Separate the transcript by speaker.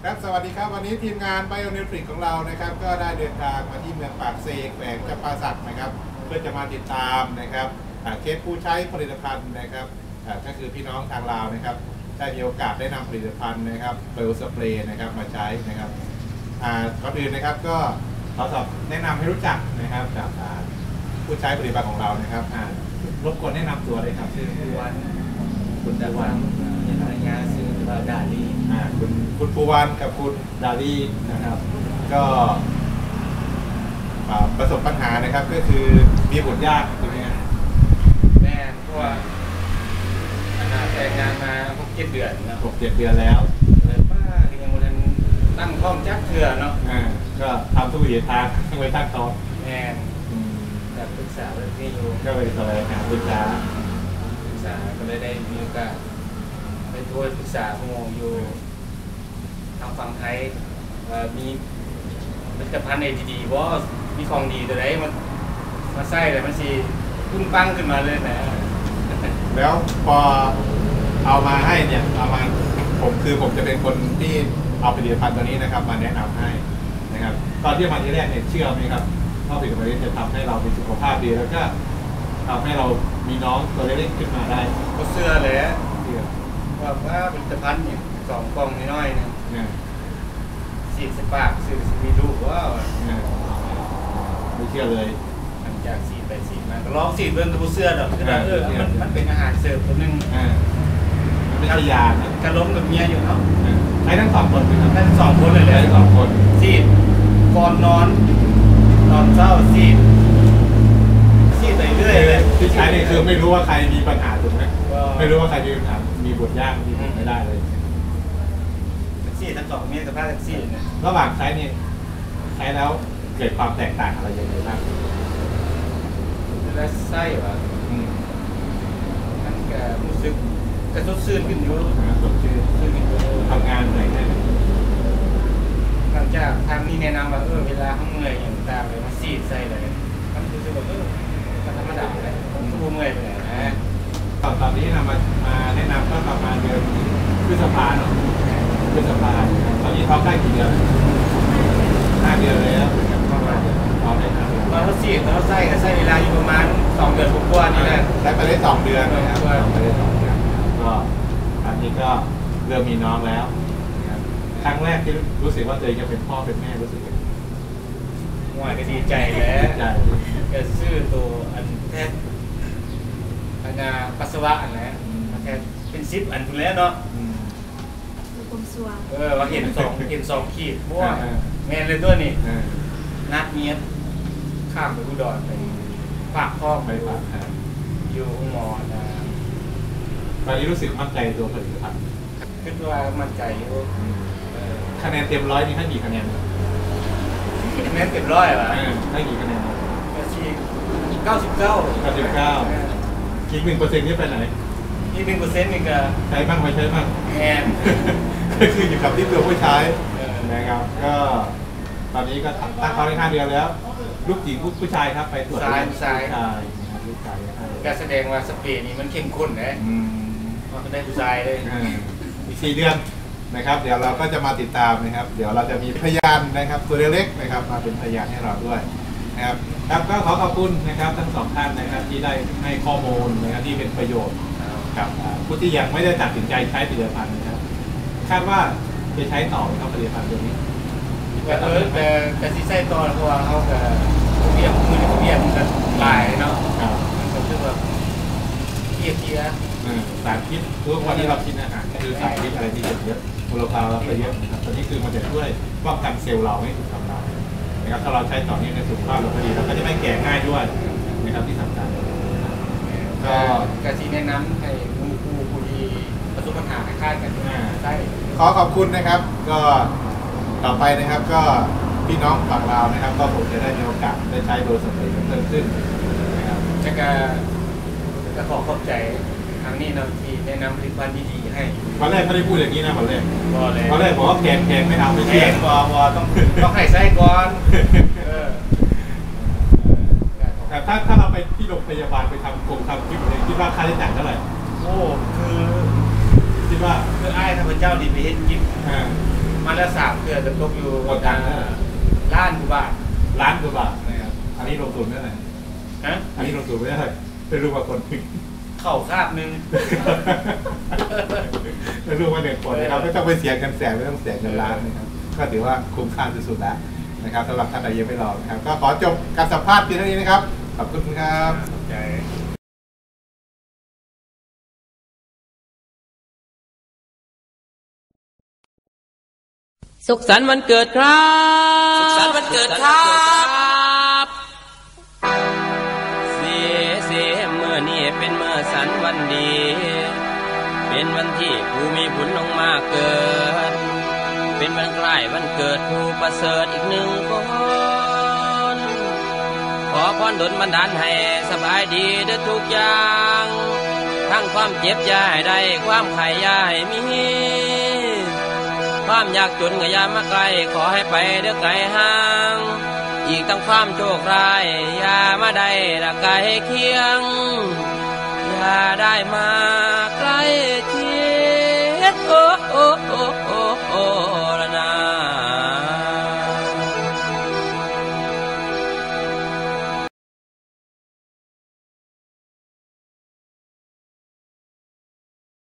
Speaker 1: ครับสวัสดีครับวันนี้ทีมงานไบโอนิวทริกของเรานะครับก็ได้เดินทางมาที่เมืองปากเซกแขวงจำปาสักนะครับเพื่อจะมาติดตามนะครับเคสผู้ใช้ผลิตภัณฑ์นะครับก็คือพี่น้องทางลาวนะครับได้มีโอกาสได้นำผลิตภัณฑ์นะครับเบลสเปรย์นะครับมาใช้นะครับก่อนอื่นนะครับก็ขอสอบแนะนำให้รู้จักนะครับจากผู้ใช้ผลิตภัณฑ์ของเรานะครับรบกวนแนะนำตัวเลยครับชื่อ
Speaker 2: ปูวันคุณดาวันยังไงงานชื่อว่าดาลี
Speaker 1: คุณปูวันกับคุณดาลีนะครับก็ประสบปัญหานะครับก็คือมีบุตรยากใช่ไหมครับ
Speaker 2: แม่เพราะว่าแต่งงานมา6-7 เดือนนะ
Speaker 1: 6-7 เดือนแล้ว
Speaker 2: เลยป้าที่ยังวันตั้งท้องจักเถื่อเนาะ
Speaker 1: ก็ทำทุกวิถีทางทั้งไปตั้งท้อง
Speaker 2: แม่แบบปรึกษาเรื่องนี้อยู่
Speaker 1: ก็ไปแสวงหาปรึกษา
Speaker 2: ก็เลยได้มีโอกาสไปทัวร์ปรึกษาผู้อยู่ทางฝั่งไทยมีผลิตภัณฑ์ดีๆว่ามีของดีตัวไหนมาใส่เลยมันสิพุ่งปั้งขึ้นมาเลยนะ
Speaker 1: แล้วพอเอามาให้เนี่ยเอามาผมจะเป็นคนที่เอาผลิตภัณฑ์ตัวนี้นะครับมาแนะนำให้นะครับตอนที่มาที่แรกเนี่ยเชื่อไหมครับว่าผลิตภัณฑ์นี้จะทำให้เรามีสุขภาพดีแล้วก็ทำให้เรามีน้องตัวเล็กๆขึ้นมาได้
Speaker 2: ก็เสื้อเลยว่าผลิตภัณฑ์เนี่ย2 กล่องน้อยๆเนี่ยสีสปาร์กซื้อมีลูกว่า
Speaker 1: ไม่เชื่อเลย
Speaker 2: หลังจากสีไปสีมาก็ลองสีเบิ้งตัวเสื้อดอกคือมันเป็นอาหารเสริมตัวนึง
Speaker 1: มันเป็นยานะ
Speaker 2: กระล้มกับเมียอยู่เนาะ
Speaker 1: ใช้ทั้ง2 คน
Speaker 2: ทั้ง2 คนเลย
Speaker 1: ทั้ง2 คน
Speaker 2: สีก่อนนอนเช้าสีไปเรื่อยเลย
Speaker 1: ที่ใช้นี่คือไม่รู้ว่าใครมีปัญหาถูกไหมไม่รู้ว่าใครมีปัญหามีบุตรยากมีบุตรไม่ได้เลย
Speaker 2: แท็กซี่ทั้ง2 เมียกับผ้าแท็กซี่เนี่ย
Speaker 1: ระหว่างใช้นี่ใช้แล้วเกิดความแตกต่างอะไรยังไงบ้าง
Speaker 2: แล้วไส้ว่ะมันก็รู้สึกกระตุ้นซื่นขึ้นอยู่
Speaker 1: สดชื่นทำงานเหนื่อยแน่
Speaker 2: หลังจากทางนี้แนะนำว่าเวลาเขาเหนื่อยอย่างต่างเลยมาซีดใส่เลยมันรู้สึกว่ามันธรรมดาเลยทุกเมื่อยไปเลยนะ
Speaker 1: ตอนนี้นำมาแนะนำก็ประมาณเดือนพฤษภาเนาะพฤษภาตอนนี้ท้องได้กี่เดือน5 เดือนแล้วท้องได้5 เดือน
Speaker 2: เราซีดเราไส้เวลาอยู่ประมาณ2 เดือนกว่านี่แหละ
Speaker 1: ใช้ไปได้2 เดือนนะครับไปได้2 เดือนก็อันนี้ก็เริ่มมีน้องแล้วครั้งแรกที่รู้สึกว่าตัวเองจะเป็นพ่อเป็นแม่รู้สึกยังไง
Speaker 2: ว่าก็ดีใจแล้วก็ซื้อตัวอันแทนปัสสาวะอันแล้วแทนเป็น10 อันคุณแล้วเนาะว่าเห็น2 ขีดเพราะว่าแม่เลยตัวนี้นัดเมียข้ามไปอุดรไปฝากพ่อ
Speaker 1: ไปฝาก
Speaker 2: อยู่หมอนะ
Speaker 1: ตอนนี้รู้สึกมั่นใจตัวผลิตภัณฑ์
Speaker 2: คิดว่ามั่นใจอยู่
Speaker 1: คะแนนเต็ม100นี่ให้กี่คะแนน
Speaker 2: คะแนนเต็ม100ป่ะ
Speaker 1: ให้กี่คะแนน
Speaker 2: 99
Speaker 1: อีก1%นี่ไปไหน
Speaker 2: อีก1%นี่ก็
Speaker 1: ใช้บ้างไม่ใช้บ้าง
Speaker 2: แอน
Speaker 1: ก็คืออยู่กับที่ตัวผู้ใช้นะครับก็ตอนนี้ก็ตั้งเขาได้5 เดือนแล้วลูกหญิงผู้ชายครับไปตรวจ
Speaker 2: ผู้ชายการแสดงว่าสเปรย์นี้มันเข้มข้นนะมันได้ผู้ชายเลย
Speaker 1: อีก4 เดือนนะครับเดี๋ยวเราก็จะมาติดตามนะครับเดี๋ยวเราจะมีพยานนะครับตัวเล็กๆนะครับมาเป็นพยานให้เราด้วยนะครับครับก็ขอขอบคุณนะครับทั้ง2 ท่านนะครับที่ได้ให้ข้อมูลนะครับที่เป็นประโยชน์กับผู้ที่ยังไม่ได้ตัดสินใจใช้ผลิตภัณฑ์นะครับคาดว่าจะใช้ต่อครับผลิตภัณฑ์ตัวนี้
Speaker 2: แต่ที่ใช้ต่อเพราะว่าเขากับเบี้ยมือเบี้ยมันก็หลายเนาะมันก็คือแบบเกี้ย
Speaker 1: สารพิษทุกวันที่เรากินอาหารก็คือสารพิษอะไรที่เยอะมลภาวะเยอะนะครับตัวนี้คือมันจะช่วยป้องกันเซลล์เราไม่ถูกทำลายนะครับถ้าเราใช้ต่อเนื่องในสุขภาพเราก็ดีเราก็จะไม่แก่ง่ายด้วยนะครับที่สำคัญ
Speaker 2: ก็กระสีแนะนำให้ผู้ที่ประสบปัญหาคล้ายๆกันได้
Speaker 1: ขอขอบคุณนะครับก็ต่อไปนะครับก็พี่น้องฝั่งลาวนะครับก็ผมจะได้มีโอกาสได้ใช้โดยสมัยเพิ่มขึ้นนะครับ
Speaker 2: จะขอขอบใจทางนี้เราที่แนะนำผลิตภัณฑ์ดีๆให้
Speaker 1: วันแรกไม่ได้พูดอย่างนี้นะวันแรกบอกว่าแพงไม่ทำไม่
Speaker 2: แพงบอต้องให้ไส้ก่อน
Speaker 1: แต่ถ้าเราไปที่โรงพยาบาลไปทำคลิปอะไรคิดว่าค่าใช้จ่ายเท่าไหร่
Speaker 2: โอ้คือ
Speaker 1: คิดว่า
Speaker 2: อ้ายข้าพเจ้าดีไปเฮ็ดกิฟมันละ3เดือนจะตกอยู่ล้านกว่าบาท
Speaker 1: นะครับอันนี้ลงทุนเท่าไหร่
Speaker 2: ฮะ
Speaker 1: อันนี้ลงทุนไม่ได้ไม่รู้ว่าคน
Speaker 2: เข้าคาบนึง
Speaker 1: ไม่รู้ว่า1 คนนะครับไม่ต้องไปเสียเงินแสนไม่ต้องเสียเงินล้านนะครับก็ถือว่าคุ้มค่าสุดๆแล้วนะครับสำหรับท่านใดยังไม่ลองนะครับก็ขอจบการสัมภาษณ์เพียงเท่านี้นะครับขอบคุณครับ
Speaker 3: สุขสันต์วันเกิดครับสุขสันต์วันเกิดครับเสียเมื่อนี้เป็นเมื่อสันวันดีเป็นวันที่ผู้มีบุญลงมาเกิดเป็นวันใกล้วันเกิดผู้ประเสริฐอีก1 คนขอพรดลบันดาลให้สบายดีเด้อทุกอย่างทั้งความเจ็บอย่าให้ได้ความไข้อย่าให้มีความยากจนก็อย่ามาไกลขอให้ไปเด้อไกลห่างอีกทั้งความโชคร้ายอย่ามาได้ละไกลเคียงอย่าได้มา